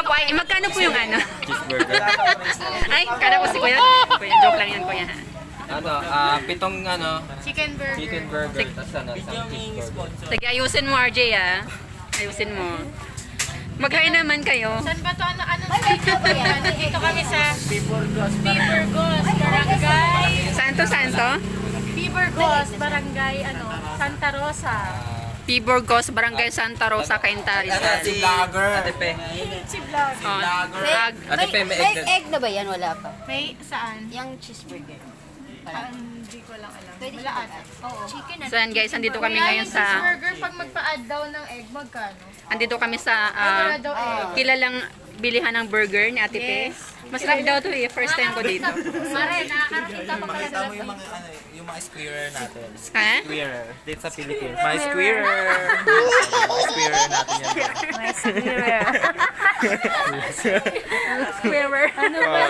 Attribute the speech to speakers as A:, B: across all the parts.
A: po ay, magkano po yung ano?
B: Cheeseburger.
A: Ay, kala ko si Kuya. Kuya, joke lang yan, Kuya.
B: Ano, pitong
C: Chicken burger.
B: chicken burger, tapos isang cheeseburger.
A: Sige, ayusin mo, RJ, ah. Ayusin mo. Mag-hi naman kayo.
C: Saan ba to? Ano dito ba yan? Dito kami sa Piburgos, Barangay.
A: Santo?
C: Piburgos, Barangay, Santa Rosa.
A: Piburgos, Barangay Santa Rosa, Cainta, Rizal.
B: Si vlogger. Ate Pe.
C: Si Vlog.
A: Oh,
B: Ate Pe, may
D: May
B: egg.
D: egg na ba yan? Wala pa.
C: May saan?
D: Yung cheeseburger.
C: Hindi ko lang alam.
D: Pwede
C: Wala ata. Oo.
D: Chicken
A: So yan guys, andito kami
C: Kaya
A: ngayon
C: yung
A: sa
C: cheeseburger, pag magpa-add daw ng egg, magkano?
A: andito kami sa
C: Wala daw egg.
A: kilalang bilihan ng burger ni Ate Pe. Masarap daw to eh, first time ko dito.
C: Mare, nakakarating ka pa pala sa
B: Tama yung mga squarer natin.
A: Ha?
B: Squarer. Dito sa Philippines. My squarer. My squarer natin yan.
A: Squarer. Ano ba?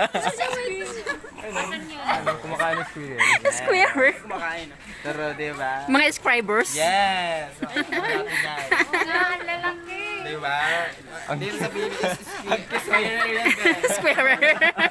B: Ano, kumakain ng squarer.
A: Squarer.
B: Kumakain. Pero diba?
A: Mga scribers.
B: Yes! Natin yan.
C: ang lalaki.
B: Diba? Dito sa Philippines, squarer yan.
A: Squarer.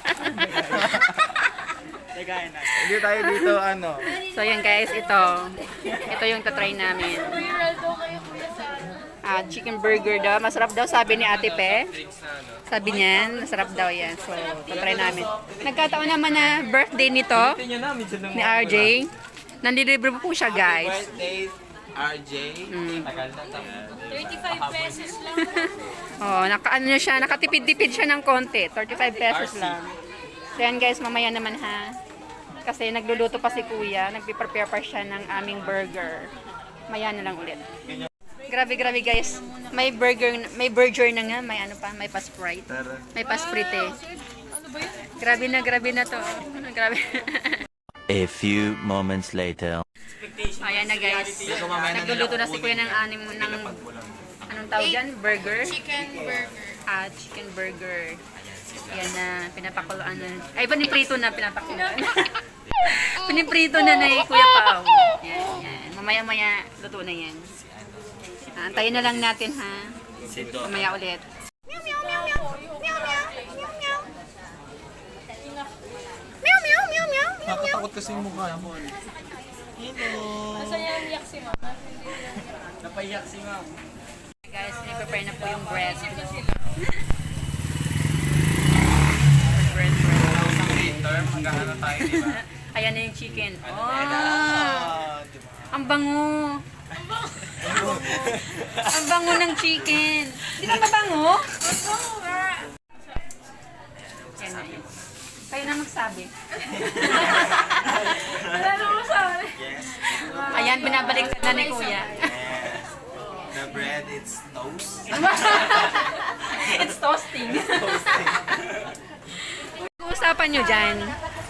B: Hindi tayo dito,
A: So yan guys, ito. Ito yung tatry namin.
C: Viral daw kayo kuya sa
A: Chicken burger daw. Masarap daw sabi ni Ate Pe. Sabi niya, masarap daw yan. So, tatry namin. Nagkataon naman na birthday nito
B: Tingnan na, minsan lang
A: ni RJ. Nandilibre po siya guys.
B: Birthday, RJ. Tagal na tayo.
C: 35 pesos lang.
A: Oh, nakatipid-tipid siya ng konti. 35 pesos lang. So yan guys, mamaya naman ha. Kasi nagluluto pa si Kuya. Nagpiprepare pa siya ng aming burger. Maya na lang ulit. Grabe guys. May burger na nga. May ano pa, may pa-sprite. May pa-sprite. Grabe na to. Grabe.
E: A few moments later.
A: Ayan na guys. Nagluluto na si Kuya ng anong tawag dyan? Burger?
C: Chicken burger.
A: Chicken burger. Ayan na, pinapakuluan na. Ay, piniprito na, pinapakuluan. Piniprito na ni Kuya Pao. Yan. Mamaya-maya, luto na yan. Antayin na lang natin ha. Mamaya ulit. Meow, meow, meow, meow. Meow, meow, meow, meow. Meow, meow, meow, meow.
B: Nakatakot kasi yung mukha mo.
C: Nasaan yung yak si mama?
B: Napaiyak si ma'am.
A: Guys, prepare na po yung bread.
B: Magkano tayo, di ba?
A: Ayan na yung chicken. Oh, ang bango. Ang bango ng chicken. Di ba mabango? Yan na yun. Kayo na magsabi.
C: Wala na mo sa
A: Ayan, binabalik na ni Kuya.
B: The bread, it's toast.
A: It's toasting. Usapan nyo dyan.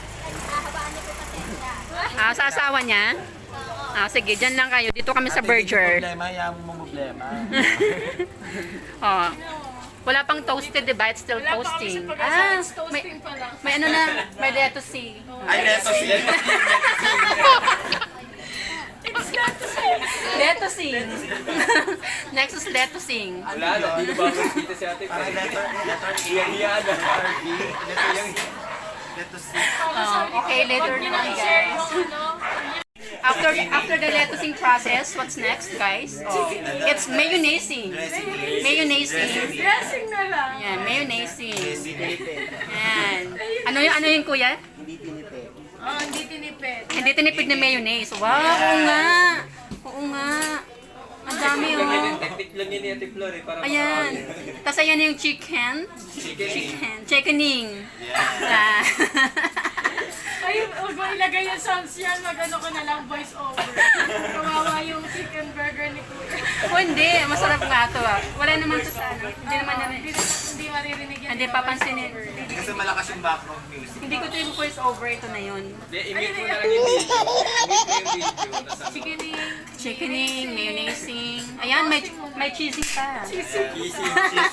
A: Sa asawa niya? Sige, dyan lang kayo. Dito kami sa burger.
B: Problema, yaman mo problema.
A: Oh. Wala pang toasted, diba? It's still toasting. May ano na, may lettuce.
B: Ay, neto siya.
A: Lettucing. Next is lettucing.
B: Wala, hindi ba kita si ate? Letter E. Letter C.
A: Okay, later na guys. After the lettucing process, what's next, guys? It's mayonnaising. Mayonnaising.
C: dressing na lang.
A: Yan, mayonnaising. Yan. Ano yung kuya?
C: Oh, hindi tinipid.
A: Hindi tinipid na mayonnaise. Wow, oo nga. Oo nga. Ang dami oh.
B: Technique lang yun ni Ate Flor eh. Para
A: Ayan. Tapos ayan yung chicken. Chickening. Yeah.
C: Ay, huwag mo ilagay yung sounds yan. Mag-ano ko na lang, voice over. Kawawa yung chicken burger ni Kuya.
A: Hindi, masarap nga to ah. Wala naman to sa ano. Hindi naman namin.
C: Hindi maririnig yan.
A: Hindi papansinin.
B: Kasi malakas yung background music.
A: Hindi ko to yung voice over. Ito na yun.
B: Hindi, imit mo na lang yung video. Imit mo yung video.
C: Chickening.
A: Chickening, mayonnaising. Ayan, may cheesy pa.
B: Cheesing.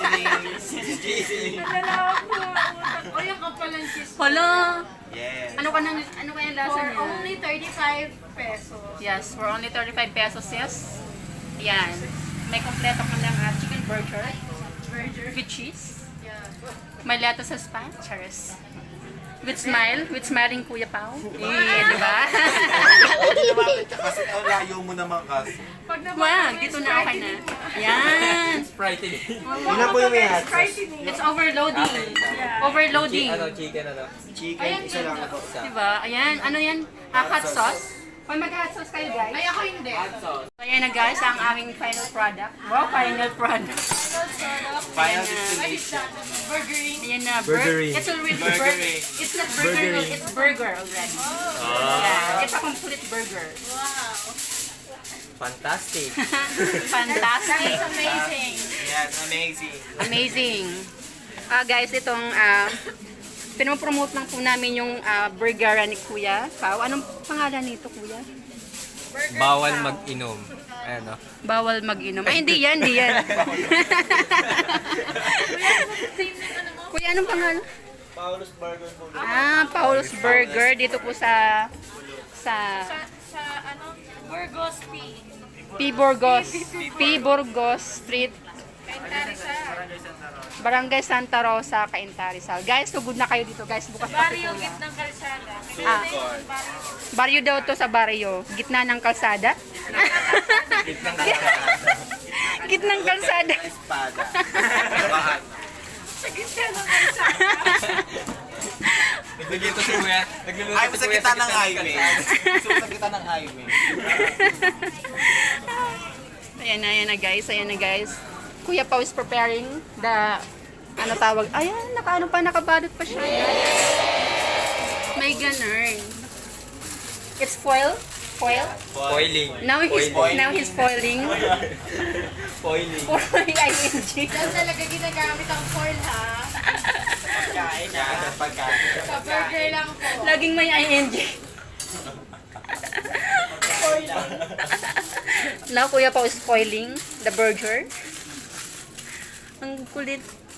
C: Nadala ako. O, yung kapalang cheese.
A: Hala!
B: Yes.
A: Ano kayang lasa
C: For
A: niya?
C: only 35 pesos.
A: Yes, for only 35 pesos, yes. Ayan. May kompleto ka lang chicken burger
C: Burger.
A: with cheese. May lettuce sa spa. Cheers. With smile. With smiling Kuya Pao. Di ba?
B: Kasi ang layo mo naman kasi.
C: Pag
A: Wag, dito na okay na. Yan.
B: Sprite
F: Yun na po yung may hot sauce.
A: It's overloading. Overloading.
B: chicken
F: Chicken, isa lang po.
A: Diba? Ayan. Ano yan? Hot sauce. Pag mag-hot sauce kayo, guys.
C: Ay, ako hindi.
A: So, ayan na guys, ang aming final product. Wow, final product.
B: Final
C: destination. Burgering.
A: Ayan na.
B: Burgering.
A: It's already
B: Burgering.
A: It's not burger, it's burger already. Yeah, it's a complete burger.
B: Fantastic.
A: Fantastic.
C: Amazing.
B: Yes, amazing.
A: Amazing. Guys, itong pinopromote lang po namin yung burger ni Kuya Pao. Anong pangalan nito, Kuya?
B: Bawal mag-inom. Ayan o.
A: Bawal mag-inom. Ay, hindi yan, hindi yan. Kuya, anong pangalan?
F: Paulus Burger po.
A: Paul's Burger. Dito po sa
C: Sa ano? Burgos P.
A: P. Burgos Street, Barangay Santa Rosa, Cainta, Rizal. Guys, sugod na kayo dito, guys. Bukas pa si
C: Barrio,
A: Kuya.
C: gitnang kalsada.
A: Baryo daw to sa baryo. Gitna ng kalsada. Gitnang kalsada.
B: Espada.
C: Sa gitna ng kalsada.
B: Nagluluto si Kuya. Nagluluto
F: Ay,
B: si
F: sa
B: Kuya
F: gitna ng highway.
B: Sa gitna ng highway.
A: Ayan na guys, ayan na guys. Kuya Pao is preparing the, ano tawag, ayan, nakabalot pa siya. May ganun. It's foil? Foil?
B: Foiling.
A: Now he's foiling.
B: Foiling.
A: Foil ing.
C: Yan talaga ginagamit ang foil, ha?
F: Pagkain na. Pagkain.
C: Sa burger lang po.
A: Laging may ing. Now Kuya Pao is foiling the burger. Ang kulit.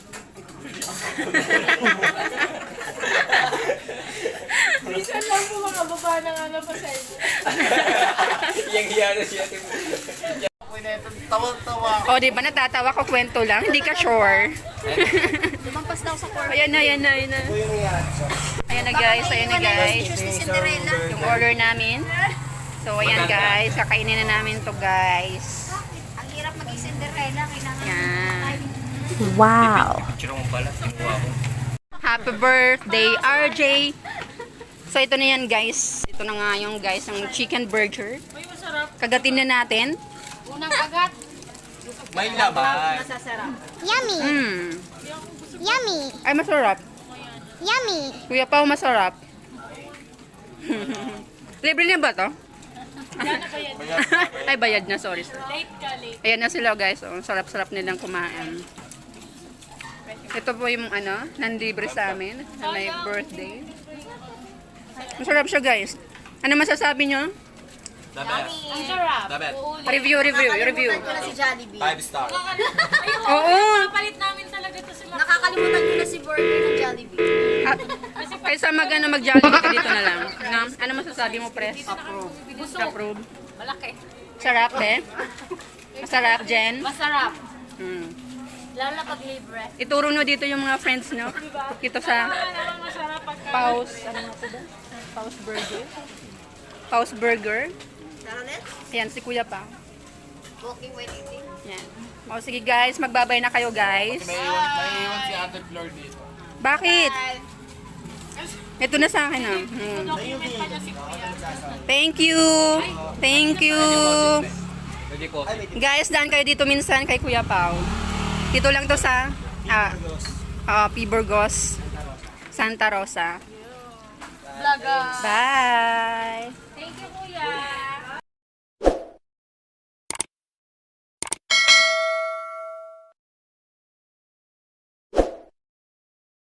C: Minsan lang po mga baba ng ano pa sa inyo.
B: Yang hiya na siya.
F: Tawang-tawa.
A: O, di ba natatawa ko kwento lang? Hindi ka sure.
C: Lumampas daw sa corner.
A: Ayan na.
F: Ito yung may hot sauce.
A: Ayan na guys,
C: ni Cinderella.
A: yung order namin. So ayan guys, kakainin na namin to guys.
C: Ang hirap maging Cinderella. Kailangan
A: Yan.
B: Picture mo pala. Sinuha ko.
A: Happy birthday, RJ! So ito na yan guys. Ito na nga yung guys, ang chicken burger.
C: Uy, masarap.
A: Kagatin na natin.
C: Unang agat.
B: May laman.
C: Masasarap.
G: Yummy, yummy,
A: Ay, masarap.
G: yummy.
A: Kuya Pao, masarap. Libre na ba to? Ay, bayad na. Sorry.
C: Late ka, late.
A: Ayan na sila guys. Oh, sarap-sarap nilang kumain. Ito po yung ano, nandibre sa amin na may birthday. Masarap siya guys. Ano masasabi nyo?
B: The best.
C: Ang sarap.
B: The best.
A: Review.
C: Ko na si Jollibee.
B: 5 star.
A: Oo.
C: Palit namin talaga to sila.
G: Nakakalimutan ko na si burger ng Jollibee.
A: Kaysa mag-Jollibee ka dito na lang. No? Ano masasabi mo, Pres? Approve.
C: Malaki.
A: Sarap, eh. Masarap, Jen.
C: Masarap.
A: Hmm.
C: Lalo na pag libre.
A: Ituro nyo dito yung mga friends nyo. Dito sa
C: Naman masarap pagka.
A: Paus. Ano nga ito ba? Paus Burger. Paus Burger. Ayan, si Kuya pa.
G: Walking while eating.
A: Yan. O, sige guys, magbabay na kayo guys.
B: May iwan si Ate Flor dito.
A: Bakit? Ito na sa akin ah. Hmm.
C: Document pa niya si Kuya.
A: Thank you. Thank you.
B: Pwede ko.
A: Guys, daan kayo dito minsan kay Kuya Pao. Dito lang to sa P. Burgos, Santa Rosa.
C: Vlog.
A: Bye.